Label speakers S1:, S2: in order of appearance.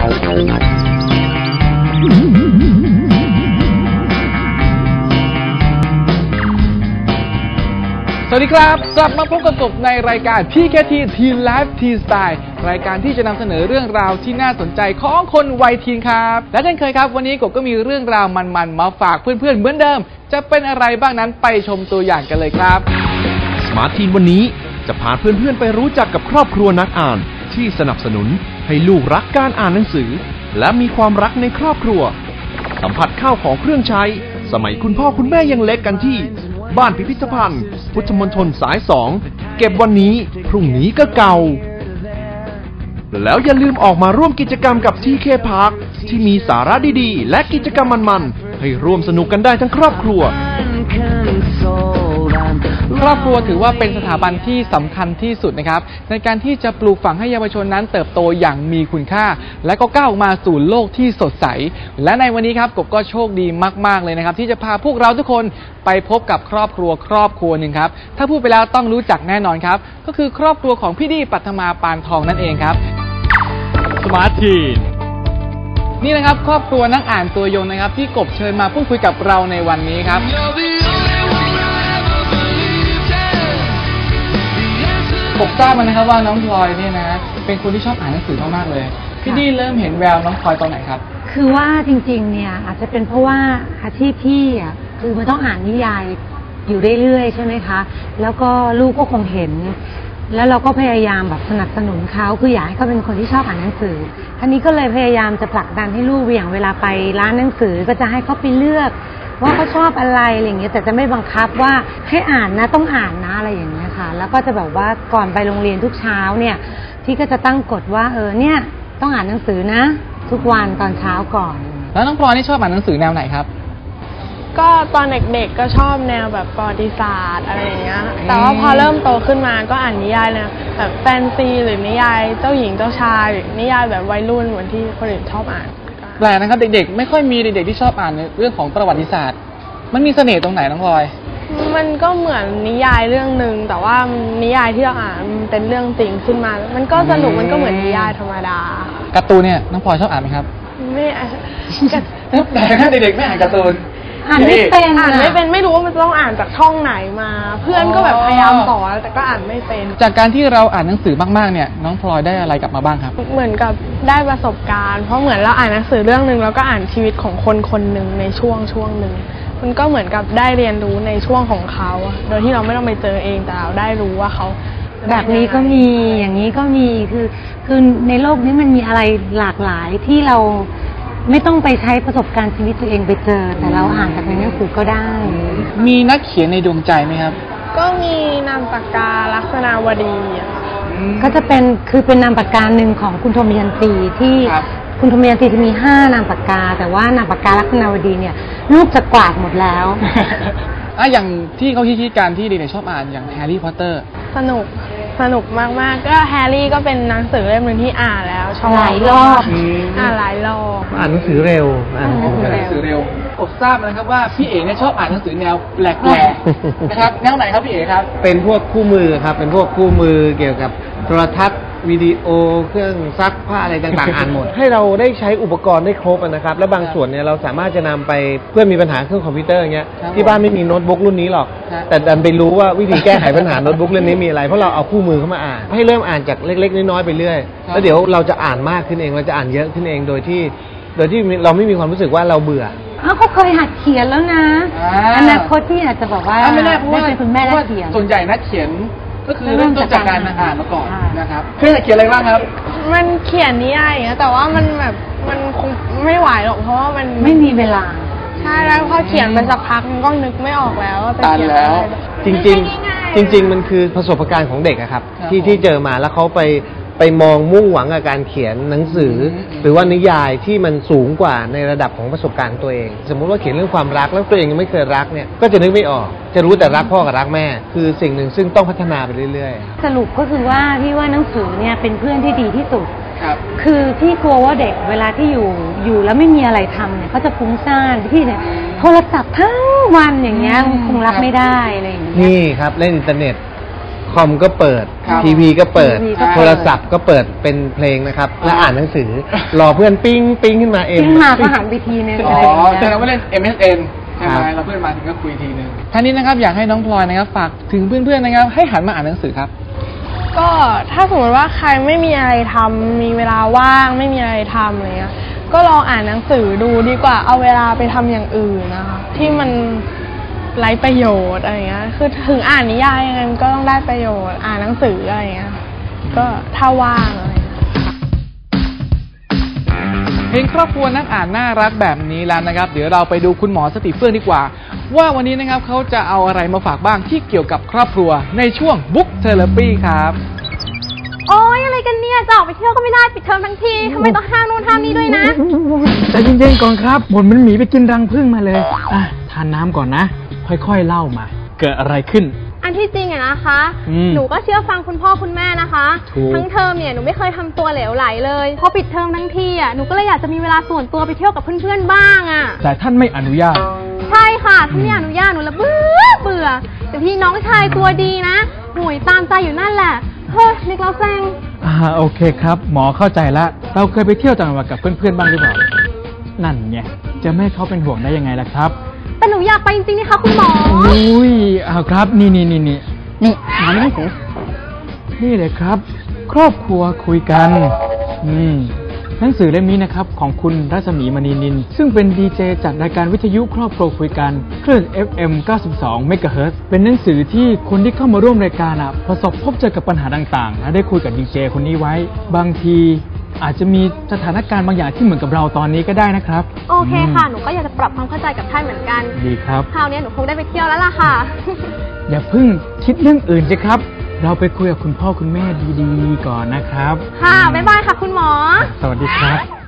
S1: สวัสดีครับกลับมาพบกับกบในรายการ PKT Teen Life Teen Style รายการที่จะนำเสนอเรื่องราวที่น่าสนใจของคนวัยทีนครับและเช่นเคยครับวันนี้กบก็มีเรื่องราวมันๆมาฝากเพื่อนๆเหมือนเดิมจะเป็นอะไรบ้างนั้นไปชมตัวอย่างกันเลยครับ
S2: Smart Teen วันนี้จะพาเพื่อนๆไปรู้จักกับครอบครัวนักอ่านที่สนับสนุนให้ลูกรักการอ่านหนังสือและมีความรักในครอบครัวสัมผัสข้าวของเครื่องใช้สมัยคุณพ่อคุณแม่ยังเล็กกันที่บ้านพิพิธภัณฑ์พุทธมณฑลสาย 2เก็บวันนี้พรุ่งนี้ก็เก่าแล้วอย่าลืมออกมาร่วมกิจกรรมกับ TK Park ที่มีสาระดีๆและกิจกรรมมันๆให้ร่วมสนุกกันได้ทั้งครอบครัว
S1: ครอบครัวถือว่าเป็นสถาบันที่สำคัญที่สุดนะครับในการที่จะปลูกฝังให้เยาวชนนั้นเติบโตอย่างมีคุณค่าและก็ก้าวมาสู่โลกที่สดใสและในวันนี้ครับกบก็โชคดีมากๆเลยนะครับที่จะพาพวกเราทุกคนไปพบกับครอบครัวหนึ่งครับถ้าพูดไปแล้วต้องรู้จักแน่นอนครับก็คือครอบครัวของพี่ดีปัทมาปานทองนั่นเองครับ
S2: Smart Teen
S1: นี่นะครับครอบครัวนักอ่านตัวยงนะครับที่กบเชิญมาพูดคุยกับเราในวันนี้ครับกบทราบมานะครับว่าน้องพลอยเนี่ยนะเป็นคนที่ชอบอ่านหนังสือมากๆเลยพี่ดีเริ่มเห็นแววน้องพลอยตอนไหนครับ
S3: คือว่าจริงๆเนี่ยอาจจะเป็นเพราะว่าอาชีพพี่อ่ะคือมันต้องอ่านนิยายอยู่เรื่อยๆใช่ไหมคะแล้วก็ลูกก็คงเห็นแล้วเราก็พยายามแบบสนับสนุนเขาคืออยากให้เขาเป็นคนที่ชอบอ่านหนังสือทีนี้ก็เลยพยายามจะผลักดันให้ลูกอย่างเวลาไปร้านหนังสือก็จะให้เขาไปเลือกว่าเขาชอบอะไรอย่างเงี้ยแต่จะไม่บังคับว่าให้อ่านนะต้องอ่านนะอะไรอย่างเงี้ยค่ะแล้วก็จะแบบว่าก่อนไปโรงเรียนทุกเช้าเนี่ยพี่ก็จะตั้งกฎว่าเนี่ยต้องอ่านหนังสือนะทุกวันตอนเช้าก่อน
S1: แล้วน้องพลอยนี่ชอบอ่านหนังสือแนวไหนครับ
S4: ก็ตอนเด็กๆก็ชอบแนวแบบประวัติศาสตร์อะไรอย่างเงี้ยแต่ว่าพอเริ่มโตขึ้นมาก็อ่านนิยายนะแบบแฟนซีหรือนิยายเจ้าหญิงเจ้าชายหรือนิยายแบบวัยรุ่นเหมือนที่คนอื่นชอบอ่าน
S1: แปลกนะครับเด็กๆไม่ค่อยมีเด็กๆที่ชอบอ่านเรื่องของประวัติศาสตร์มันมีเสน่ห์ตรงไหนน้องพลอย
S4: มันก็เหมือนนิยายเรื่องนึงแต่ว่านิยายที่เราอ่านเป็นเรื่องจริงขึ้นมามันก็สนุกมันก็เหมือนนิยายธรรมดา
S1: การ์ตูนเนี่ยน้องพลอยชอบอ่านไหมครับ
S4: ไม่อ่าน
S1: แต่ถ้าเด็กๆไม่อ่านการ์ตูน
S3: อ่านไม่เป็น
S4: ไม่รู้ว่ามันต้องอ่านจากช่องไหนมาเพื่อนก็แบบพยายามสอนแต่ก็อ่านไม่เป็น
S1: จากการที่เราอ่านหนังสือมากๆเนี่ยน้องพลอยได้อะไรกลับมาบ้างครับ
S4: เหมือนกับได้ประสบการณ์เพราะเหมือนเราอ่านหนังสือเรื่องนึงแล้วก็อ่านชีวิตของคนคนหนึ่งในช่วงนึงมันก็เหมือนกับได้เรียนรู้ในช่วงของเขาโดยที่เราไม่ต้องไปเจอเองแต่เราได้รู้ว่าเขา
S3: แบบนี้ก็มีอย่างนี้ก็มีคือในโลกนี้มันมีอะไรหลากหลายที่เราไม่ต้องไปใช้ประสบการณ์ชีวิตตัวเองไปเจอแต่เราอ่านจากในหนังสือก็ได้
S1: มีนักเขียนในดวงใจไหมครับ
S4: ก็มีนามปากกาลักษณาวดี
S3: ก็จะเป็นนามปากกาหนึ่งของคุณโทมิยันตีที่คุณโทมิยันตีจะมี5นามปากกาแต่ว่านามปากกาลักษณาวดีเนี่ยลูกจะกวาดหมดแล้ว
S1: อย่างที่เขาคิดการที่เด็กๆชอบอ่านอย่างแฮร์รี่พอตเตอร์
S4: สนุกมากๆก็แฮร์รี่ก็เป็นหนังสือเล่มนึงที่อ่านแล้วชอบ
S3: หลายรอบ
S4: หลายรอบ
S5: อ่านหนังสือเร็ว
S1: ผมทราบนะครับว่าพี่เอ๋เนี่ยชอบอ่านหนังสือแนวแปลกๆนะครับแนวไหนครับพี่เอ๋ครับ
S5: เป็นพวกคู่มือครับเป็นพวกคู่มือเกี่ยวกับโทรทัศน์วิดีโอเครื่องซักผ้าอะไรต่างๆอ่านหมดให้เราได้ใช้อุปกรณ์ได้ครบนะครับและบางส่วนเนี่ยเราสามารถจะนำไปเพื่อนมีปัญหาเครื่องคอมพิวเตอร์อย่างเงี้ยที่บ้านไม่มีโน้ตบุ๊กรุ่นนี้หรอกแต่ดันไปรู้ว่าวิธีแก้ไขปัญหาโน้ตบุ๊กเรื่องนี้มีอะไรเพราะเราเอาคู่มือเข้ามาอ่านให้เริ่มอ่านจากเล็กๆน้อยๆไปเรื่อยแล้วเดี๋ยวเราจะอ่านมากขึ้นเองเราจะอ่านเยอะขึ้นเองโดยที่เราไม่มีความรู้สึกว่าเราเบื่อ
S3: เขาเคยหัดเขียนแล้วนะอนาคตที่อาจจะบอกว่า
S1: ไม่แน่เพราะว่า
S3: เป็นคุณแม่นักเขียน
S1: ส่วนใหญ่นักเขียนก็คือเริ่มต้นจากการอ่านมาก่อนนะครับเพื่อนเขียนอะไรบ้างครับ
S4: มันเขียนนิยายอย่างเงี้ยแต่ว่ามันแบบมันคงไม่ไหวหรอกเพราะว่ามัน
S3: ไม่มีเวลา
S4: ใช่แล้วพอเขียนไปสักพักมันก็นึกไม่ออกแล้วว่า
S1: ตันแล้ว
S5: จริงมันคือประสบการณ์ของเด็กครับที่เจอมาแล้วเขาไปมองมุ่งหวังกับการเขียนหนังสือหรือว่านิยายที่มันสูงกว่าในระดับของประสบการณ์ตัวเองสมมุติว่าเขียนเรื่องความรักแล้วตัวเองยังไม่เคยรักเนี่ยก็จะนึกไม่ออกจะรู้แต่รักพ่อกับรักแม่คือสิ่งหนึ่งซึ่งต้องพัฒนาไปเรื่อย
S3: ๆสรุปก็คือว่าพี่ว่าหนังสือเนี่ยเป็นเพื่อนที่ดีที่สุดคือที่กลัวว่าเด็กเวลาที่อยู่แล้วไม่มีอะไรทำเนี่ยเขาจะฟุ้งซ่านที่เนี่ยโทรศัพท์ทั้งวันอย่างเงี้ยคงรับไม่ได้อะไรอย่างเงี้ย
S5: นี่ครับเล่นอินเทอร์เน็ตคอมก็เปิด
S1: ครับ
S5: ทีวีก็เปิด
S3: ทีวีก็เปิด
S5: โทรศัพท์ก็เปิดเป็นเพลงนะครับ และอ่านหนังสือ รอเพื่อนปิ้งปิ้งขึ้นมาเอง
S3: ขึ้นมาก็หันไปทีนึง
S1: อ๋
S3: อะ
S1: อ
S3: ไรอย่าง
S1: แสด
S3: เงี้
S1: ง
S3: ย
S1: ว่าเล่น MSN ใช่ไหม
S5: ครับ
S1: เราเพื่อนมาถึงก็คุยทีนึงท่านี้นะครับอยากให้น้องพลอยนะครับฝากถึงเพื่อนๆนะครับให้หันมาอ่านหนังสือครับ
S4: ก็ถ้าสมมติว่าใครไม่มีอะไรทำมีเวลาว่างไม่มีอะไรทำอะไรเงี้ยก็ลองอ่านหนังสือดูดีกว่าเอาเวลาไปทำอย่างอื่นนะคะที่มันไร้ประโยชน์อะไรเงี้ยคือถึงอ่านนิยายยังไงมันก็ต้องได้ประโยชน์อ่านหนังสืออะไรเงี้ยก็ถ้าว่างอะไรเงี้ย
S1: เพลงครอบครัวนักอ่านน่ารักแบบนี้แล้วนะครับเดี๋ยวเราไปดูคุณหมอสติเฟื่องดีกว่า ว่าวันนี้นะครับเขาจะเอาอะไรมาฝากบ้างที่เกี่ยวกับครอบครัวในช่วง Book Therapy ครับ
S6: โอ๊ยอะไรกันเนี่ยจะออกไปเที่ยวก็ไม่ได้ปิดเทอมทั้งทีทำไมต้องห้ามนู่นห้ามนี่ด้วยนะ
S7: ใจเย็นๆก่อนครับบ่นมันหมีไปกินรังผึ้งมาเลยอ่ะทานน้ำก่อนนะ ค่อยๆเล่ามา เกิดอะไรขึ้น
S6: อันที่จริงอะนะคะ
S7: อืม
S6: หนูก็เชื่อฟังคุณพ่อคุณแม่นะคะ
S7: ถูก
S6: ทั้งเทอมเนี่ยหนูไม่เคยทำตัวเหลวไหลเลยพอปิดเทอมทั้งทีอะหนูก็เลยอยากจะมีเวลาส่วนตัวไปเที่ยวกับเพื่อนๆบ้างอะ
S7: แต่ท่านไม่อนุญาต
S6: ใช่ค่ะท่านไม่อนุญาตหนูละเบื่อแต่พี่น้องชายตัวดีนะห่วยตามใจอยู่นั่นแหละเฮ้ยเล็กเราแซง
S7: โอเคครับ หมอเข้าใจละเราเคยไปเที่ยวต่างจังหวัดกับเพื่อนๆบ้างหรือเปล่า นั่นไงจะไม่ให้เขาเป็นห่วงได้ยังไงล่ะครับ
S6: แต่หนูอยากไปจริงๆนะคะคุณหมอ
S7: อุ้ยครับนี่
S3: นี่หาหนังสือ
S7: นี่เลยครับ ครอบครัวคุยกันหนังสือเล่มนี้นะครับของคุณรัศมีมณีนินซึ่งเป็นดีเจจากรายการวิทยุครอบครัวคุยกันคลื่น FM 92 MHz เป็นหนังสือที่คนที่เข้ามาร่วมรายการประสบพบเจอกับปัญหาต่างๆและได้คุยกับดีเจคนนี้ไว้ บางทีอาจจะมีสถานการณ์บางอย่างที่เหมือนกับเราตอนนี้ก็ได้นะครับ
S6: โอเคค่ะหนูก็อยากจะปรับความเข้าใจกับท่านเหมือนกัน
S7: ดีครับ
S6: คราวนี้หนูคงได้ไปเที่ยวแล้วล่ะค่ะ
S7: อย่าเพิ่งคิดเรื่องอื่นสิครับ เราไปคุยกับคุณพ่อคุณแม่ดีๆก่อนนะครับ
S6: ค่ะ บ๊ายบายค่ะคุณหมอ
S7: สวัสดีครับ